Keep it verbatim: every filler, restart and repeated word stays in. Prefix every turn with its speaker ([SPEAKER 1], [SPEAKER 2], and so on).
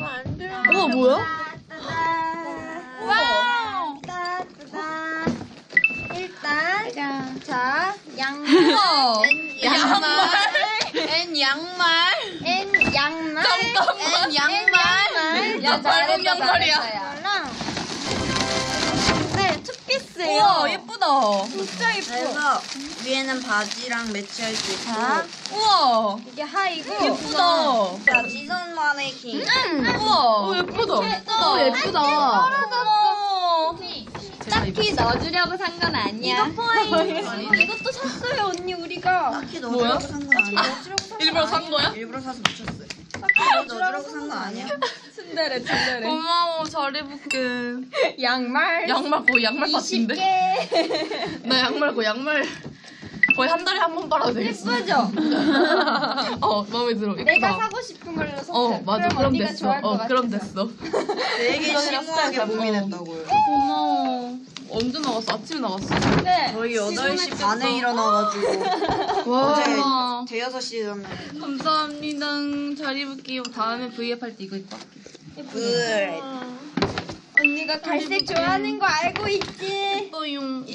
[SPEAKER 1] 우와 뭐야?
[SPEAKER 2] 와우.
[SPEAKER 3] 일단 자 양말
[SPEAKER 2] 우와.
[SPEAKER 1] 양말.
[SPEAKER 2] N 양말.
[SPEAKER 3] N 양말
[SPEAKER 1] 잠깐만.
[SPEAKER 2] N 양말.
[SPEAKER 1] 야, 발목 양말이야.
[SPEAKER 3] 이거랑 네 투피스예요.
[SPEAKER 1] 우와 예쁘다.
[SPEAKER 3] 진짜 예뻐.
[SPEAKER 2] 그래서 위에는 바지랑 매치할 수 있고.
[SPEAKER 3] 자
[SPEAKER 1] 우와
[SPEAKER 3] 이게 하이고
[SPEAKER 1] 예쁘다.
[SPEAKER 2] 자, 지선 마네킹.
[SPEAKER 1] 우와. 오 예쁘다. 예쁘다.
[SPEAKER 3] 예쁘다.
[SPEAKER 1] 어머.
[SPEAKER 3] 딱히 넣어주려고 산 건 아니야. 이거 포인. 이것도 샀어요 언니 우리가.
[SPEAKER 2] 딱히
[SPEAKER 1] 뭐야?
[SPEAKER 2] 넣어주려고 산 건 아니야.
[SPEAKER 1] 일부러 산 거야?
[SPEAKER 2] 일부러 사서 붙였어요. 딱히 넣어주려고 산 건 아니야.
[SPEAKER 3] 츤데레 츤데레.
[SPEAKER 1] 고마워. 잘 입을게.
[SPEAKER 3] 양말.
[SPEAKER 1] 양말 거의 양말
[SPEAKER 3] 이십
[SPEAKER 1] 같은데?
[SPEAKER 3] 개.
[SPEAKER 1] 나 양말 거의 양말 거의 한 달에 한 번 빨아도 되겠어.
[SPEAKER 3] 예쁘죠?
[SPEAKER 1] 어 마음에 들어. 예쁘다.
[SPEAKER 3] 내가 사고 싶은 걸로 샀어.
[SPEAKER 1] 어 맞아.
[SPEAKER 3] 그럼
[SPEAKER 1] 그럼
[SPEAKER 3] 언니가
[SPEAKER 1] 됐어.
[SPEAKER 3] 좋아할 것
[SPEAKER 1] 어 그럼
[SPEAKER 3] 같아서.
[SPEAKER 1] 됐어.
[SPEAKER 2] 되게
[SPEAKER 1] 이거랑
[SPEAKER 2] 심오하게
[SPEAKER 1] 스타일
[SPEAKER 2] 고민했다고요.
[SPEAKER 1] 고마워. 언제 나갔어? 아침에 나갔어?
[SPEAKER 3] 네.
[SPEAKER 2] 저희 여덟 시 반에 일어나가지고
[SPEAKER 1] 와.
[SPEAKER 2] 어제 대여섯 시잖아요.
[SPEAKER 1] 감사합니다. 잘 입을게요. 다음에 브이앱 할 때 이거 입고 할게.
[SPEAKER 2] 그
[SPEAKER 3] 언니가 갈색 좋아하는 거 알고 있지?
[SPEAKER 1] 예뻐요.